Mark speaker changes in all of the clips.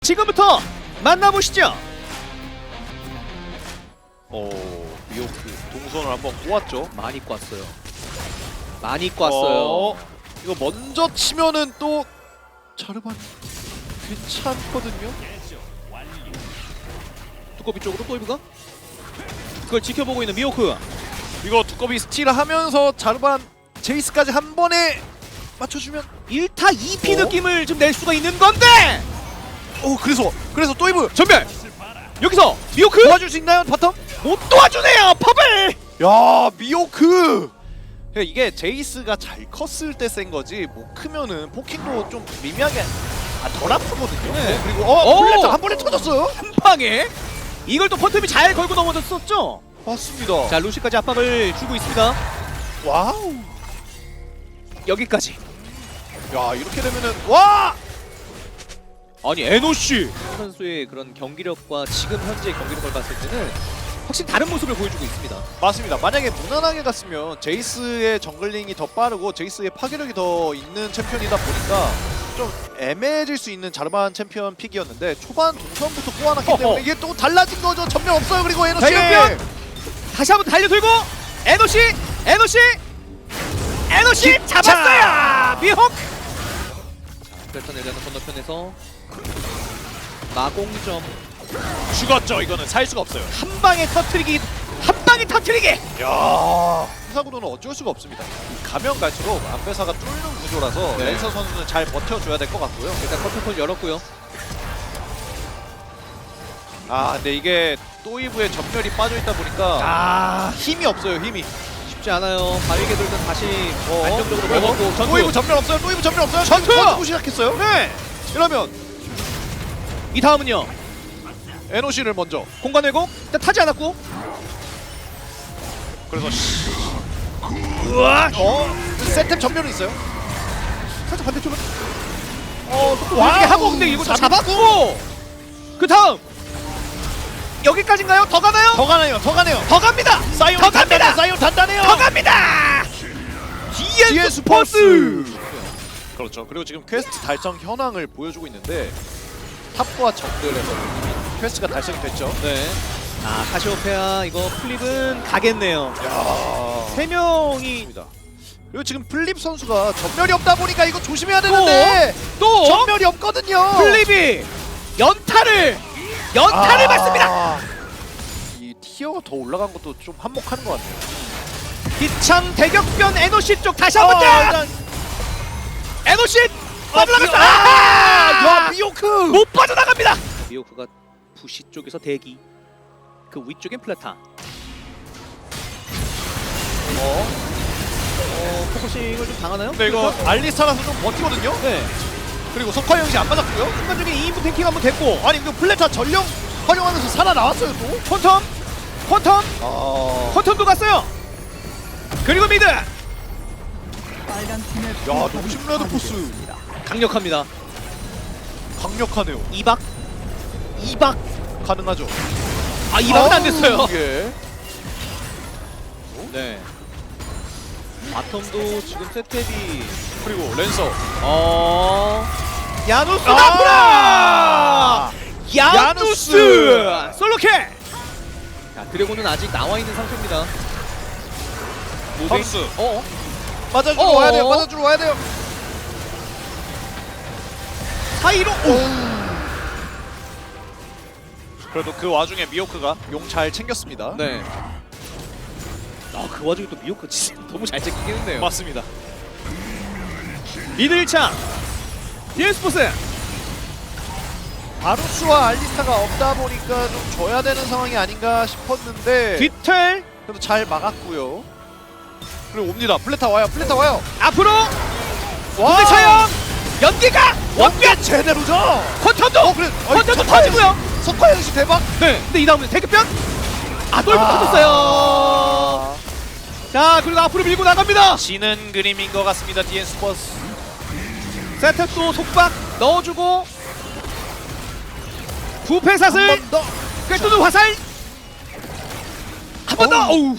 Speaker 1: 지금부터 만나보시죠.
Speaker 2: 미호크 동선을 한번 꼬았죠.
Speaker 1: 많이 꽈어요. 많이 꽈어요.
Speaker 2: 이거 먼저 치면은 또 자르반 괜찮거든요.
Speaker 1: 두꺼비 쪽으로 또이브가 그걸 지켜보고 있는 미호크.
Speaker 2: 이거 두꺼비 스틸하면서 자르반 제이스까지 한 번에 맞춰주면
Speaker 1: 1타 2피 느낌을 좀 낼 수가 있는 건데
Speaker 2: 그래서 또이브
Speaker 1: 전멸! 여기서 미호크!
Speaker 2: 도와줄 수 있나요 바텀?
Speaker 1: 못 도와주네요 팝을!
Speaker 2: 야 미호크 이게 제이스가 잘 컸을 때 센 거지 못 크면은 포킹도 좀 미미하게 덜 아프거든요.
Speaker 1: 네.
Speaker 2: 그리고
Speaker 1: 오!
Speaker 2: 플래터 한 번에 터졌어요.
Speaker 1: 한 방에 이걸 또 퍼텀이 잘 걸고 넘어졌었죠.
Speaker 2: 맞습니다.
Speaker 1: 자 루시까지 압박을 주고 있습니다.
Speaker 2: 와우.
Speaker 1: 여기까지.
Speaker 2: 야 이렇게 되면은 와.
Speaker 1: 아니 에노씨 선수의 그런 경기력과 지금 현재 경기력을 봤을 때는 확실히 다른 모습을 보여주고 있습니다.
Speaker 2: 맞습니다. 만약에 무난하게 갔으면 제이스의 정글링이 더 빠르고 제이스의 파괴력이 더 있는 챔피언이다 보니까 좀 애매해질 수 있는 자르반 챔피언 픽이었는데 초반 동선부터 꼬아놨기 때문에 이게 또 달라진 거죠. 전면 없어요. 그리고 에너씨
Speaker 1: 대격변! 다시 한번 달려들고 에노씨 잡았어요. 미혹. 패턴에 대한 건너편에서 마공점
Speaker 2: 죽었죠. 이거는 살 수가 없어요.
Speaker 1: 한 방에 터트리기.
Speaker 2: 야 사구도는 어쩔 수가 없습니다. 가면 갈수록 안배사가 뚫는 구조라서
Speaker 1: 네.
Speaker 2: 랜서 선수는 잘 버텨줘야 될 것 같고요.
Speaker 1: 일단 커튼콜 열었고요.
Speaker 2: 아 근데 이게 또이브의 전멸이 빠져있다 보니까 힘이 없어요. 힘이.
Speaker 1: 쉽지 않아요. 바위게 돌면 다시 안정적으로 먹었고 전투.
Speaker 2: 또이브 전멸 없어요. 또이브 전멸 없어요.
Speaker 1: 전투!
Speaker 2: 전투 시작했어요. 네. 이러면
Speaker 1: 이 다음은요.
Speaker 2: NOC를 먼저.
Speaker 1: 공간 왜곡 일단 타지 않았고.
Speaker 2: 그래서 세템 전멸은 있어요.
Speaker 1: 살짝 반대쪽으로
Speaker 2: 와우.
Speaker 1: 보여주게 하고 근데 이거 잡았고 그 다음 여기까지인가요? 더 가나요?
Speaker 2: 더 가네요.
Speaker 1: 더 갑니다!
Speaker 2: 사이온
Speaker 1: 더 갑니다!
Speaker 2: 사이온 단단해요.
Speaker 1: 더 갑니다!
Speaker 2: 뒤에
Speaker 1: 스포츠!
Speaker 2: 그렇죠. 그리고 지금 퀘스트 달성 현황을 보여주고 있는데 탑과 정글에서 퀘스트가 달성이 됐죠.
Speaker 1: 네. 아 카시오페아 이거 플립은 가겠네요.
Speaker 2: 야.
Speaker 1: 3명이
Speaker 2: 그리고 지금 플립 선수가 전멸이 없다 보니까 이거 조심해야 되는데
Speaker 1: 또
Speaker 2: 전멸이 없거든요.
Speaker 1: 플립이 연타를 받습니다.
Speaker 2: 이 티어가 더 올라간 것도 좀 한몫하는 것 같아요.
Speaker 1: 기창 대격변 에노시 쪽 다시 한번 더! 에노시 빠져나갔어!
Speaker 2: 야 미호크
Speaker 1: 못 빠져나갑니다. 미호크가 부시 쪽에서 대기. 그 위쪽엔 플라타. 포커싱을 좀 당하나요?
Speaker 2: 근데 이거 알리스타라서 좀 버티거든요.
Speaker 1: 네.
Speaker 2: 그리고 석화 형이 안 맞았고요.
Speaker 1: 순간적인 2인분 탱킹 한번 됐고.
Speaker 2: 아니 이거 플레타 전령 활용하면서 살아나왔어요 또.
Speaker 1: 퀀텀도 갔어요. 그리고 미드
Speaker 2: 야 농심 레드포스
Speaker 1: 강력합니다.
Speaker 2: 강력하네요.
Speaker 1: 2박
Speaker 2: 가능하죠.
Speaker 1: 2박은 안 됐어요.
Speaker 2: 예.
Speaker 1: 네. 바텀도 지금 세탭이
Speaker 2: 그리고 랜서.
Speaker 1: 야누스
Speaker 2: 아!
Speaker 1: 나프라!
Speaker 2: 야누스!
Speaker 1: 야누스! 솔로캐! 자, 드래곤은 아직 나와 있는 상태입니다.
Speaker 2: ham스.
Speaker 1: 어?
Speaker 2: 맞아주러 와야 돼요. 맞아주러 와야 돼요.
Speaker 1: 사이로
Speaker 2: 그래도 그 와중에 미호크가 용 잘 챙겼습니다.
Speaker 1: 네. 그 와중에 또 미호크 진짜 너무 잘 챙기긴 했네요.
Speaker 2: 맞습니다.
Speaker 1: 미드 1차 디에스포스
Speaker 2: 바루스와 알리스타가 없다 보니까 좀 져야 되는 상황이 아닌가 싶었는데
Speaker 1: 뒤틀
Speaker 2: 그래도 잘 막았고요. 그리고 옵니다. 플레타 와요.
Speaker 1: 앞으로
Speaker 2: 와!
Speaker 1: 무대 차영 연기가 원변
Speaker 2: 제대로죠.
Speaker 1: 퀀텀도
Speaker 2: 그래.
Speaker 1: 퀀텀도 터지고요.
Speaker 2: 석화 형씨 대박.
Speaker 1: 네. 근데 이 다음에 대급변 돌고 터졌어요. 자 그리고 앞으로 밀고 나갑니다.
Speaker 2: 지는 그림인 것 같습니다. DN 스포츠.
Speaker 1: 세트 또 속박 넣어주고 부패사슬
Speaker 2: 한 번 더.
Speaker 1: 꿰뚫는 화살 한 번 더. 어우.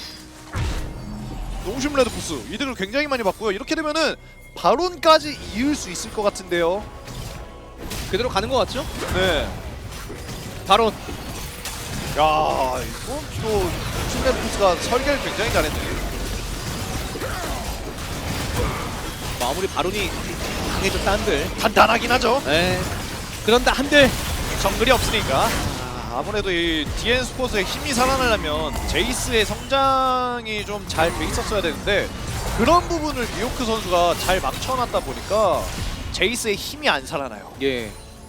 Speaker 2: 농심 레드포스 이득을 굉장히 많이 봤고요. 이렇게 되면은 바론까지 이을 수 있을 것 같은데요.
Speaker 1: 그대로 가는 것 같죠?
Speaker 2: 네.
Speaker 1: 바로
Speaker 2: 야, 이건 또 춘레프스가 설계를 굉장히 잘했네.
Speaker 1: 마무리 바론이 강해졌다 한들.
Speaker 2: 단단하긴 하죠.
Speaker 1: 네. 그런다 한들.
Speaker 2: 정글이 없으니까. 아무래도 이 DN 스포츠의 힘이 살아나려면 제이스의 성장이 좀 잘 돼 있었어야 되는데 그런 부분을 미호크 선수가 잘 막쳐놨다 보니까 제이스의 힘이 안 살아나요.
Speaker 1: 예.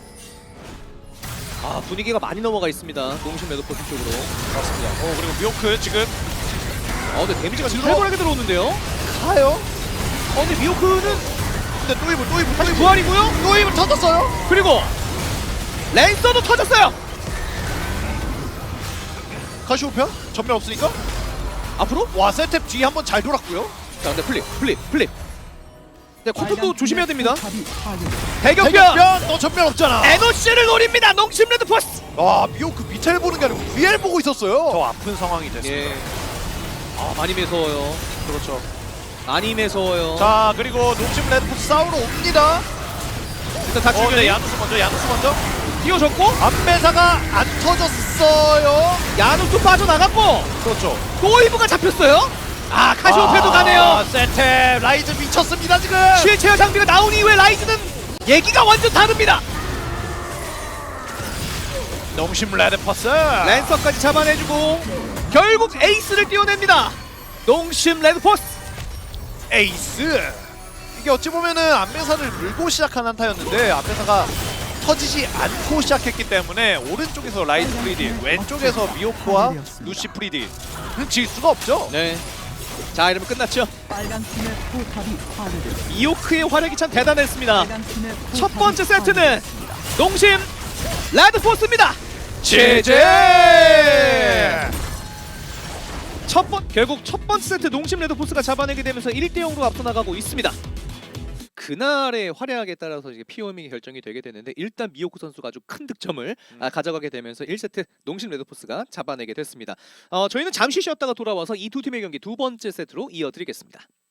Speaker 1: 아 분위기가 많이 넘어가 있습니다. 농심 레드포스 쪽으로.
Speaker 2: 맞습니다. 그리고 미호크 지금
Speaker 1: 근데 데미지가
Speaker 2: 들어-
Speaker 1: 살벌하게 들어오는데요.
Speaker 2: 가요.
Speaker 1: 근데 미호크는
Speaker 2: 근데 또 입을
Speaker 1: 다시 부활이고요.
Speaker 2: 또 입을 터졌어요.
Speaker 1: 그리고 랜서도 터졌어요.
Speaker 2: 카시오페아 전면 없으니까
Speaker 1: 앞으로?
Speaker 2: 와 세탭 뒤에 한번 잘 돌았고요.
Speaker 1: 자 근데 플립. 네, 컨트롤도 조심해야 됩니다.
Speaker 2: 대격변
Speaker 1: 대격변!
Speaker 2: 너 전면 없잖아.
Speaker 1: 에노씨를 노립니다. 농심 레드포스.
Speaker 2: 와 미호크 밑을 보는 게 아니고 위를 보고 있었어요. 더 아픈 상황이 됐습니다.
Speaker 1: 예. 많이 매서워요.
Speaker 2: 그렇죠.
Speaker 1: 많이 매서워요.
Speaker 2: 자 그리고 농심 레드포스 싸우러 옵니다.
Speaker 1: 일단 다
Speaker 2: 네,
Speaker 1: 죽여내.
Speaker 2: 야누스 먼저.
Speaker 1: 뛰어졌고
Speaker 2: 안배사가 안 터졌어요.
Speaker 1: 야누스 빠져나갔고
Speaker 2: 그렇죠.
Speaker 1: 또이브가 잡혔어요. 카시오페도 가네요.
Speaker 2: 세탭 라이즈 미쳤습니다 지금.
Speaker 1: 실체어 장비가 나온 이후에 라이즈는 얘기가 완전 다릅니다.
Speaker 2: 농심 레드포스.
Speaker 1: 랜서까지 잡아내주고 결국 에이스를 띄워냅니다. 농심 레드포스.
Speaker 2: 에이스. 이게 어찌 보면은 안배사를 물고 시작한 한타였는데 안배사가 터지지 않고 시작했기 때문에 오른쪽에서 라이즈 프리디, 왼쪽에서 미호크와 루시 프리디는 질 수가 없죠.
Speaker 1: 네. 자 이러면 끝났죠.
Speaker 3: 빨간 팀의 포탑이 파괴되었습니다.
Speaker 1: 이오크의 활약이 참 대단했습니다.
Speaker 3: 빨간 팀의 포탑이
Speaker 1: 첫 번째 세트는
Speaker 3: 파괴되었습니다.
Speaker 1: 농심 레드포스입니다.
Speaker 2: 제제.
Speaker 1: 결국 첫 번째 세트 농심 레드포스가 잡아내게 되면서 1대0으로 앞서 나가고 있습니다. 그날의 활약에 따라서 이제 POM이 결정이 되게 되는데 일단 미호크 선수가 아주 큰 득점을 가져가게 되면서 1세트 농심 레드포스가 잡아내게 됐습니다. 저희는 잠시 쉬었다가 돌아와서 이 두 팀의 경기 두 번째 세트로 이어드리겠습니다.